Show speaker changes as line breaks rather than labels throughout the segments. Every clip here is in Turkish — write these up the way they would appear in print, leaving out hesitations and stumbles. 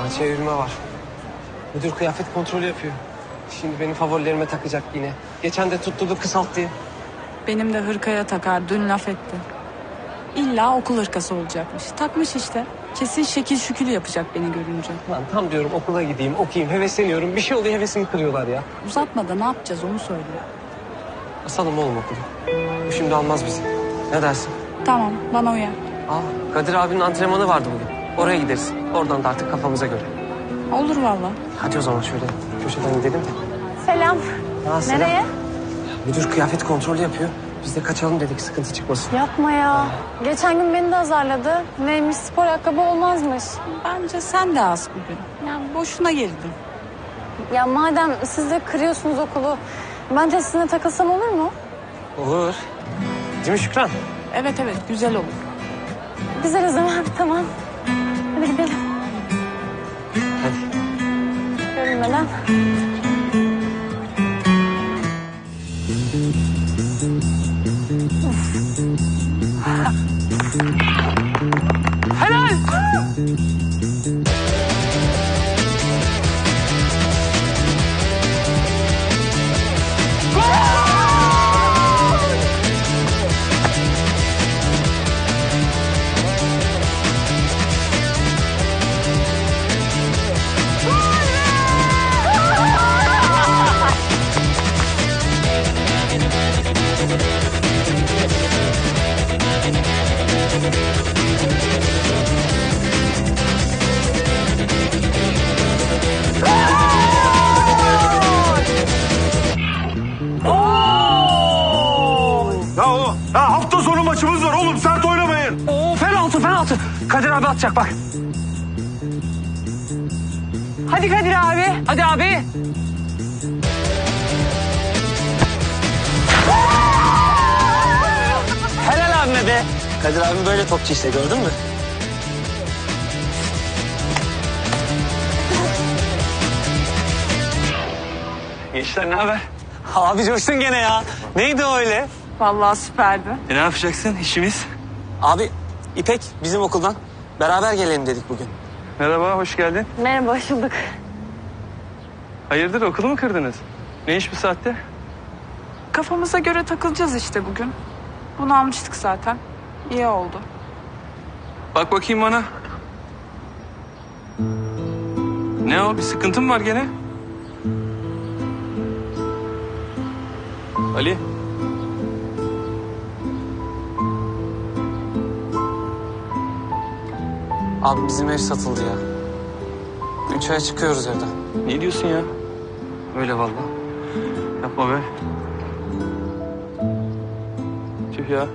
çevirme var. Müdür kıyafet kontrolü yapıyor. Şimdi benim favorilerime takacak yine. Geçen de tutturdu kısalt diye.
Benim de hırkaya takar, dün laf etti. İlla okul hırkası olacakmış. Takmış işte. Kesin şekil şükül yapacak beni görünce.
Lan tam diyorum okula gideyim, okuyayım, hevesleniyorum. Bir şey oluyor, hevesimi kırıyorlar ya.
Uzatma da ne yapacağız onu söyle.
Asalım oğlum okulu. Bu şimdi almaz bizi. Ne dersin?
Tamam, bana uyar.
Kadir abinin antrenmanı vardı bugün. Oraya gideriz. Oradan da artık kafamıza göre.
Olur valla.
Hadi o zaman şöyle köşeden gidelim de.
Selam.
Selam.
Nereye?
Müdür kıyafet kontrolü yapıyor. Biz de kaçalım dedik, sıkıntı çıkmasın.
Yapma ya. Geçen gün beni de azarladı. Neymiş, spor ayakkabı olmazmış.
Bence sen de az bugün. Yani boşuna girdin.
Ya madem siz de kırıyorsunuz okulu, ben de sizinle takılsam olur mu?
Olur. Değil mi Şükran?
Evet güzel olur.
Güzel o zaman, tamam. Hadi gidelim.
Hadi.
Görünmeden.
Helal!
Ya hafta sonu maçımız var oğlum, sert oynamayın.
Penaltı. Kadir abi atacak bak. Hadi Kadir abi. Hadi abi. Helal abime be. Kadir abim böyle topçu işte, gördün mü?
Gençler ne haber?
Abi coştun gene ya. Neydi o öyle?
Vallahi süperdi.
Ne yapacaksın işimiz?
Abi İpek bizim okuldan. Beraber gelelim dedik bugün.
Merhaba, hoş geldin.
Merhaba, hoş bulduk.
Hayırdır, okulu mu kırdınız? Ne iş bu saatte?
Kafamıza göre takılacağız işte bugün. Bunu almıştık zaten. İyi oldu.
Bak bakayım bana. Ne o, bir sıkıntın mı var gene? Ali.
Abi bizim ev satıldı ya. 3 aya çıkıyoruz evden.
Ne diyorsun ya?
Öyle vallahi.
Yapma be. Tüh ya.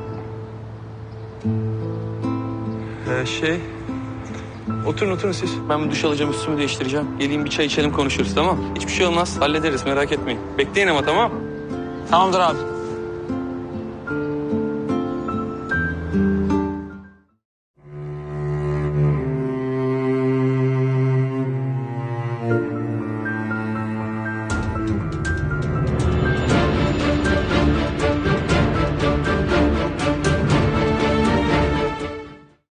Oturun siz. Ben bir duş alacağım, üstümü değiştireceğim. Geleyim bir çay içelim, konuşuruz, tamam? Hiçbir şey olmaz, hallederiz, merak etmeyin. Bekleyin ama, tamam?
Tamamdır abi.